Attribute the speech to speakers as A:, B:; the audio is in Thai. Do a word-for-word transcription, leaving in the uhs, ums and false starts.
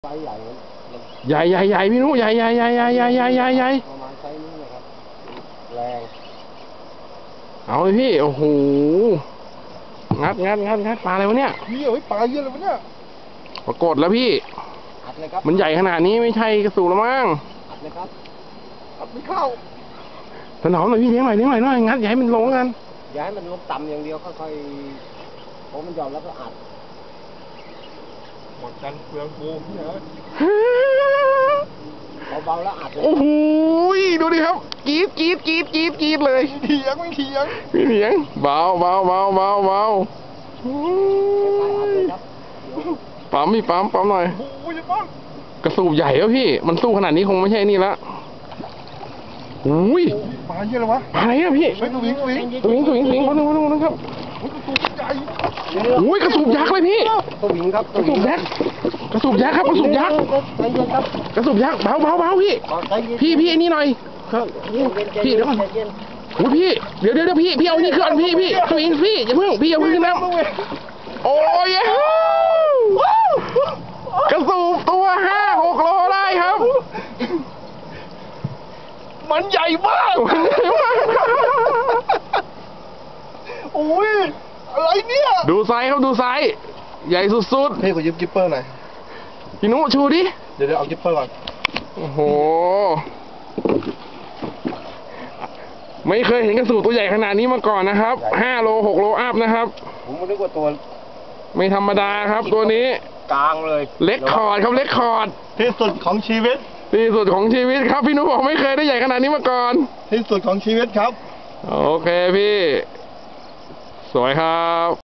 A: ไซส์ใหญ่
B: ใหญ่ใหญ่ใหญ่พี่นุใหญ่ใหญ่ใหญ่ใหญ่ใหญ่ใหญ่ใหญ่ใหญ่
A: ประมาณไซส์นี้นะครับแรง
B: เอาเลยพี่โอ้โหงัดงัดงัดงัดปลาอะไรวะเนี่ย
C: พี่เอ้ยปลาเยอะเลยวะเนี่ย
B: ปรากฏแล้วพี่
A: อัดเลยครับ
B: มันใหญ่ขนาดนี้ไม่ใช่กระสูแล้วมั้ง
A: อัดเลยครับ
C: อัดไม่เข้า
B: ถนอมหน่อยพี่เลี้ยงหน่อยเลี้ยงหน่อยหน่อยงัดอย่าให้มันลงกัน
A: อย่าให้มันลงต่ำอย่างเดียวค่อยๆพอมันหย่อนแล้วก็อัด
C: หมดกันเปลืองกูพี่เอ้ย
A: เบาๆแล้วอัดเลย
B: โอ้โหดูดิครับกีดกีดกีดกีดกีดเลย
C: ไม่เถียงไม่เถียง
B: ไม่เถียงเบาเบาเบาเบาเบาปั๊มพี่ปั๊มปั๊มหน่อย
C: โอ้ยปั๊ม
B: กระสูบใหญ่แล้วพี่มันสู้ขนาดนี้คงไม่ใช่นี่ละอุ้ย
C: ปลาเยอะเลยวะ
B: อะไรอะพี่
C: สวิงสวิง
B: สวิงสวิงสวิงคนนึงคนนึงคนนึงครับอุ้ยกระสูบยักษ์เลยพี่
A: สวิงครับ
B: กระสูบยักษ์กระสูบยักษ์ครับกระสูบยักษ์กระสูบยักษ์เบาเบาเบาพี่พี่พี่นี่หน่อยพี่เดี๋ยวก่อนโอ้พี่เดี๋ยวเดี๋ยวพี่พี่เอานี่ขึ้นพี่พี่สวิงพี่อย่าเพิ่งพี่อย่าเพิ่งขึ้นน้ำโอ้ยกระสูบตัวห้าหกโลได้ครับ
C: มันใหญ่มากโอ้ยอะไรเนี่ย
B: ดูไซส์ครับดูไซส์ใหญ่สุดๆ
C: เฮ้ยขอยืมกิปเปอร์หน่อย
B: พี่นุชูดิ
C: เดี๋ยวเดี๋ยวเอากิปเปอร์ก่อน
B: โอ้โหไม่เคยเห็นกระสูบตัวใหญ่ขนาดนี้มาก่อนนะครับห้าโลหกโลอัพนะครับ
A: ผมนึกว่าตัว
B: ไม่ธรรมดาครับตัวนี้
A: กลางเลย
B: เล็กคอร์ดครับเล็กคอร์ด
C: ที่สุดของชีวิต
B: ที่สุดของชีวิตครับพี่นุบอกไม่เคยได้ใหญ่ขนาดนี้มาก่อน
C: ที่สุดของชีวิตครับ
B: โอเคพี่สวยครับ